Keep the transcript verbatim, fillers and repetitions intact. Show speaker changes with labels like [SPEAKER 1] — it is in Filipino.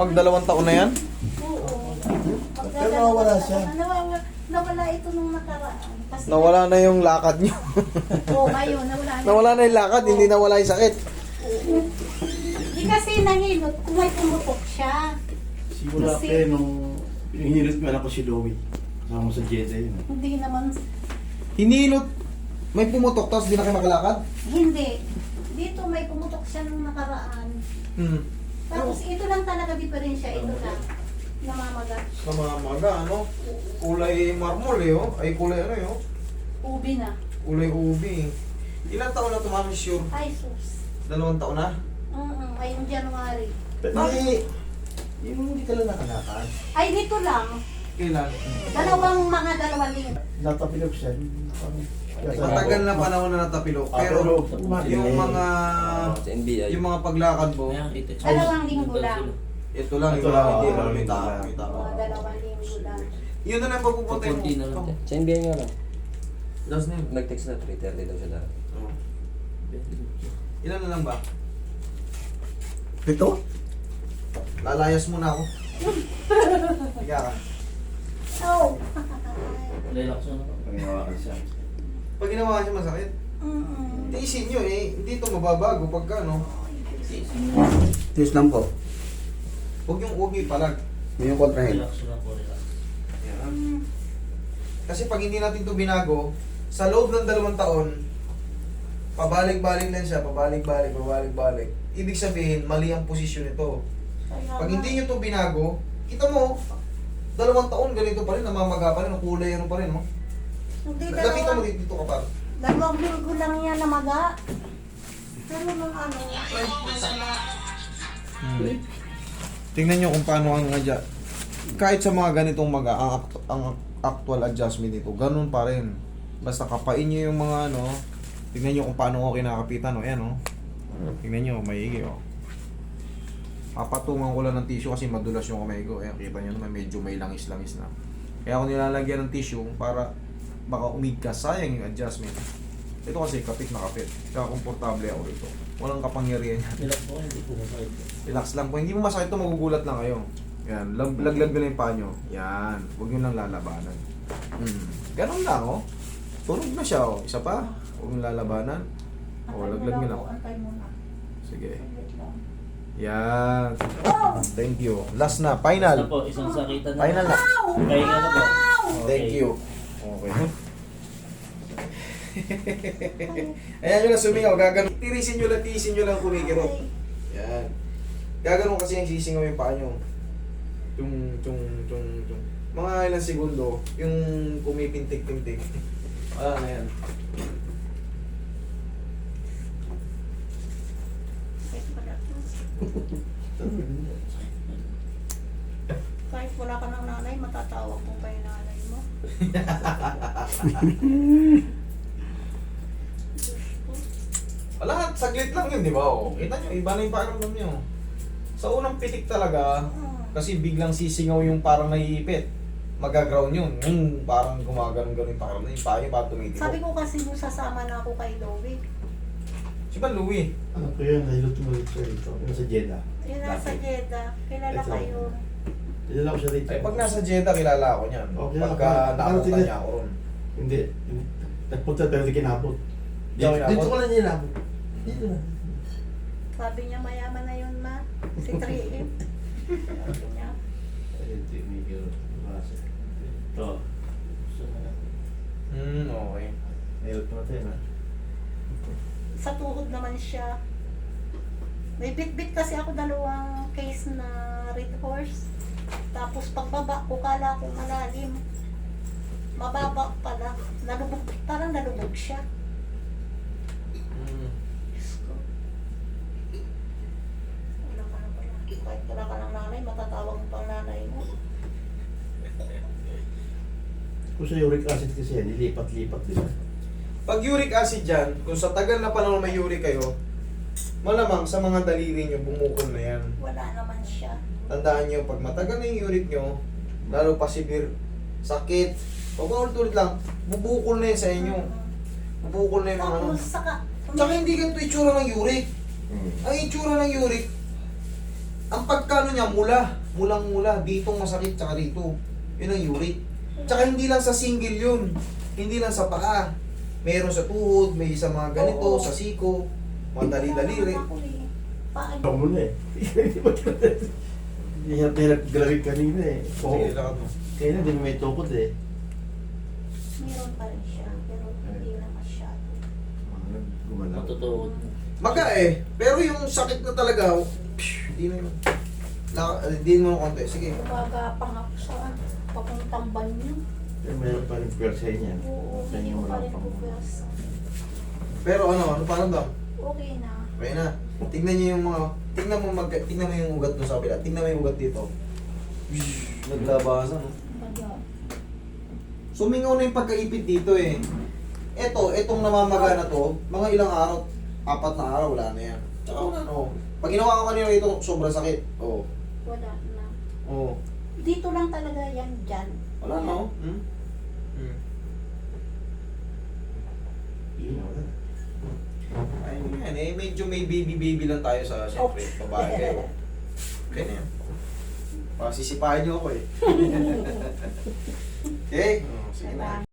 [SPEAKER 1] Magdalawang taon na yan?
[SPEAKER 2] Oo.
[SPEAKER 3] Pero nawawala siya.
[SPEAKER 2] Nawawala, nawala ito nung nakaraan. Kasi,
[SPEAKER 1] Nawala na yung lakad nyo.
[SPEAKER 2] Oo, ngayon, nawala na.
[SPEAKER 1] Nawala na yung lakad, hindi nawala yung sakit.
[SPEAKER 2] Di kasi nahilot, kung may pumutok siya.
[SPEAKER 3] Simula
[SPEAKER 2] Kasi-
[SPEAKER 3] kayo nung hinilot mo anak ko si Louie. Kasama mo sa Jedi yun.
[SPEAKER 2] Hindi naman,
[SPEAKER 1] Hinilot. May pumutok tapos di na kayo makalakad?
[SPEAKER 2] hindi. Dito may pumutok siya nung nakaraan.
[SPEAKER 1] Hmm.
[SPEAKER 2] Tapos ito lang talaga diferensya, ito lang. Namamagat.
[SPEAKER 1] Kamamaga, ano? Kulay marmol eh, oh. Ay, kulay ano eh, oh.
[SPEAKER 2] Ubi na.
[SPEAKER 1] Kulay ubi. Ilang taon na tumami sure?
[SPEAKER 2] Ay, sus.
[SPEAKER 1] Dalawang taon na?
[SPEAKER 2] Mm ngayong January.
[SPEAKER 3] Hindi. Yung hindi ka lang nakalakad.
[SPEAKER 2] Ay, dito lang.
[SPEAKER 1] Kailan?
[SPEAKER 2] Dalawang mga dalawang linggo.
[SPEAKER 3] Natapilok siya.
[SPEAKER 1] Matagal na panahon na natapilok.
[SPEAKER 3] Ah,
[SPEAKER 1] Pero
[SPEAKER 3] pero-
[SPEAKER 1] yung mga
[SPEAKER 4] Sa N B I.
[SPEAKER 1] yung mga paglakad mo,
[SPEAKER 2] Dalawang linggo lang.
[SPEAKER 1] ito lang,
[SPEAKER 3] Ito
[SPEAKER 1] yung
[SPEAKER 3] lang,
[SPEAKER 1] hindi
[SPEAKER 3] oo,
[SPEAKER 1] mo
[SPEAKER 3] ito
[SPEAKER 1] kita,
[SPEAKER 3] lang.
[SPEAKER 1] kita mo.
[SPEAKER 2] Mga dalawang linggo lang.
[SPEAKER 1] Yun na lang pagpupunta mo.
[SPEAKER 4] Kunti na lang.
[SPEAKER 1] Ito.
[SPEAKER 4] Sa N B I nga lang.
[SPEAKER 1] Last name.
[SPEAKER 4] Nag-text na three thirty daw siya dahil.
[SPEAKER 1] Oh. Ilan na lang ba?
[SPEAKER 3] Ito?
[SPEAKER 1] Lalayas muna ako. Higa ka.
[SPEAKER 2] Oh.
[SPEAKER 4] Relax na ako.
[SPEAKER 3] Pangiwakan siya.
[SPEAKER 1] Pag ginawa siya masakit,
[SPEAKER 2] Mm.
[SPEAKER 1] tiisin nyo eh. Hindi ito mababago pagka ano.
[SPEAKER 5] Tiis lang po.
[SPEAKER 1] Huwag yung huwag yung ipalag.
[SPEAKER 5] Yun yung kontrahin.
[SPEAKER 4] Relax na po, relax.
[SPEAKER 1] Yan. Kasi pag hindi natin ito binago, sa loob ng dalawang taon, pabalik-balik lang siya, pabalik-balik, pabalik-balik. Ibig sabihin, mali ang posisyon nito. Pag hindi nyo ito binago, kita mo, dalawang taon ganito pa rin, namamaga pa rin, ang kulay ano pa rin, no?
[SPEAKER 2] Hindi
[SPEAKER 1] Lapitan mo
[SPEAKER 2] dalawang,
[SPEAKER 1] dito, dito ka pa.
[SPEAKER 2] dalawang linggo lang yan na maga. Pero nung ano,
[SPEAKER 1] Hmm. Tingnan nyo kung paano ang adja. Kahit sa mga ganitong maga, ang, act- ang actual adjustment nito, ganun pa rin. Basta kapain nyo yung mga ano, tingnan nyo kung paano ko kinakapitan, o yan o. Tingnan nyo, maigi o. Papatungan ko lang ng tissue kasi madulas yung kamay ko. Ayan, kita nyo naman, medyo may langis-langis na. Kaya ako nilalagyan ng tissue para baka umigkas, sayang yung adjustment. Ito kasi kapit na kapit. Kaya komportable ako rito. Walang kapangyarihan yan.
[SPEAKER 4] Relax po, hindi po masakit.
[SPEAKER 1] Relax lang po. Hindi mo masakit ito, magugulat lang kayo. Yan, lag laglag ko lang yung paa nyo. Yan, huwag nyo lang lalabanan. Hmm. Ganun lang, oh. Tunog na siya, oh. Isa pa, huwag nyo lalabanan. Oh, laglag nyo lang.
[SPEAKER 2] Antay mo na.
[SPEAKER 1] Sige.
[SPEAKER 2] Saglit lang.
[SPEAKER 1] Yan. Thank you. Last na,
[SPEAKER 4] Basta
[SPEAKER 1] final.
[SPEAKER 4] po, isang sakitan na.
[SPEAKER 1] Final na.
[SPEAKER 4] Pahinga na po.
[SPEAKER 1] Thank you. Okay. Ayan nyo na sumingaw, gaganon. Tirisin nyo lang, tiisin nyo lang kumikirot. Yan. Gaganon kasi yung sisingaw yung paa nyo. Tung, tung, tung, tung. Mga ilang segundo, yung kumipintik-pintik. Wala na yan.
[SPEAKER 2] Kahit wala ka ng nanay, matatawag mo pa yung nanay mo.
[SPEAKER 1] Wala, saglit lang yun, di ba? O, kita nyo, iba na yung pakiramdam nyo. Sa unang pitik talaga, kasi biglang sisingaw yung parang naiipit. Magaground yun. Yung parang gumaganon-ganon yung pakiramdam. Yung paa nyo parang tumitiko.
[SPEAKER 2] Sabi ko kasi nung sasama na ako kay Louie,
[SPEAKER 1] Si ba, Louie?
[SPEAKER 3] Ano ko yan? Nahilot mo rito ito. Yung sa Jeddah.
[SPEAKER 2] yun nasa
[SPEAKER 3] Dati.
[SPEAKER 2] Jeddah, kilala
[SPEAKER 3] Ito.
[SPEAKER 2] kayo.
[SPEAKER 3] Dinala ko siya rito.
[SPEAKER 1] Ay, pag nasa Jeddah, kilala ako niyan.
[SPEAKER 3] Okay,
[SPEAKER 1] Pagka
[SPEAKER 3] okay.
[SPEAKER 1] nakapunta
[SPEAKER 3] Parating
[SPEAKER 1] niya ako ron.
[SPEAKER 3] Hindi. Nagpunta pero hindi kinabot.
[SPEAKER 1] Di ako
[SPEAKER 3] Dito,
[SPEAKER 1] kinabot?
[SPEAKER 3] dito ko lang niya inabot. Dito na.
[SPEAKER 2] Sabi niya mayaman na yun ma, si three M. Sabi niya,
[SPEAKER 3] Hindi, medyo masa. Ito.
[SPEAKER 1] Hmm, okay.
[SPEAKER 3] Nahilot mo natin ha.
[SPEAKER 2] sa tuhod naman siya. May bit-bit kasi ako dalawang case na red horse. Tapos pagbaba ko, kala ko malalim. Mababa pala. Nalubog, parang nalubog siya.
[SPEAKER 1] Hmm.
[SPEAKER 2] Diyos ko. Wala ka na pala. Kahit wala ka ng nanay, matatawag mo pang nanay mo.
[SPEAKER 3] Kung sa uric acid kasi yan, nilipat-lipat din.
[SPEAKER 1] Pag uric acid dyan, kung sa tagal na panahon may uric kayo, malamang sa mga daliri nyo, bumukol na yan.
[SPEAKER 2] Wala naman siya.
[SPEAKER 1] Tandaan nyo, pag matagal na yung uric nyo, lalo pa severe, sakit, pag ulit-ulit lang, bubukol na yan sa inyo. Bubukol na yung mga ano.
[SPEAKER 2] Tapos saka,
[SPEAKER 1] Tsaka hindi ganito itsura ng uric. Ang itsura ng uric, Ang pagkano niya, mula. Mulang-mula. Ditong masakit, tsaka dito. Yun ang uric. Tsaka hindi lang sa single yun. Hindi lang sa paa. Meron sa tuhod, may sa mga ganito,
[SPEAKER 2] Oo.
[SPEAKER 1] sa siko. Mga dali-daliri.
[SPEAKER 2] Ako eh. Paano?
[SPEAKER 3] Ako muna eh. Hirap-hirap galawin kanina eh. Oo.
[SPEAKER 1] Sige, lakad mo.
[SPEAKER 3] Kaya na, di mo may tukod eh.
[SPEAKER 2] Meron pa rin siya, pero hindi na masyado.
[SPEAKER 3] Gumalaw.
[SPEAKER 4] Matutuon.
[SPEAKER 1] Maga eh. Pero yung sakit na talaga, psh, hindi na yun. La, hindi mo na konti. Sige.
[SPEAKER 2] Gumagapang ako sa papuntang banyo.
[SPEAKER 3] Eh, mayroon pa rin pwersa niya.
[SPEAKER 2] Oo,
[SPEAKER 3] Kaya
[SPEAKER 2] hindi ko pa
[SPEAKER 3] wala
[SPEAKER 2] rin
[SPEAKER 3] pang-
[SPEAKER 2] pupwersa.
[SPEAKER 1] Pero ano, ano parang dam?
[SPEAKER 2] Okay na.
[SPEAKER 1] Okay na. Tingnan niyo yung mga, tingnan mo mag, tingnan mo yung ugat doon sa kabila. Tingnan mo yung ugat dito. Shhh, naglabasan. No?
[SPEAKER 2] Baga.
[SPEAKER 1] Sumingaw na yung pagkaipit dito eh. Eto, etong namamaga na to, mga ilang araw, apat na araw, wala na yan. Tsaka wala na oh. Pag ginawa ko kanina ito, sobrang sakit. Oo. Oh.
[SPEAKER 2] Wala na.
[SPEAKER 1] Oo. Oh.
[SPEAKER 2] Dito lang talaga yan dyan.
[SPEAKER 1] Wala na oh. Hmm? Hmm. Ayun yan eh, medyo may baby-baby lang tayo sa siyempre, babae kayo. Okay na yan. Pasisipahin niyo ako eh. Okay? Oh, sige na.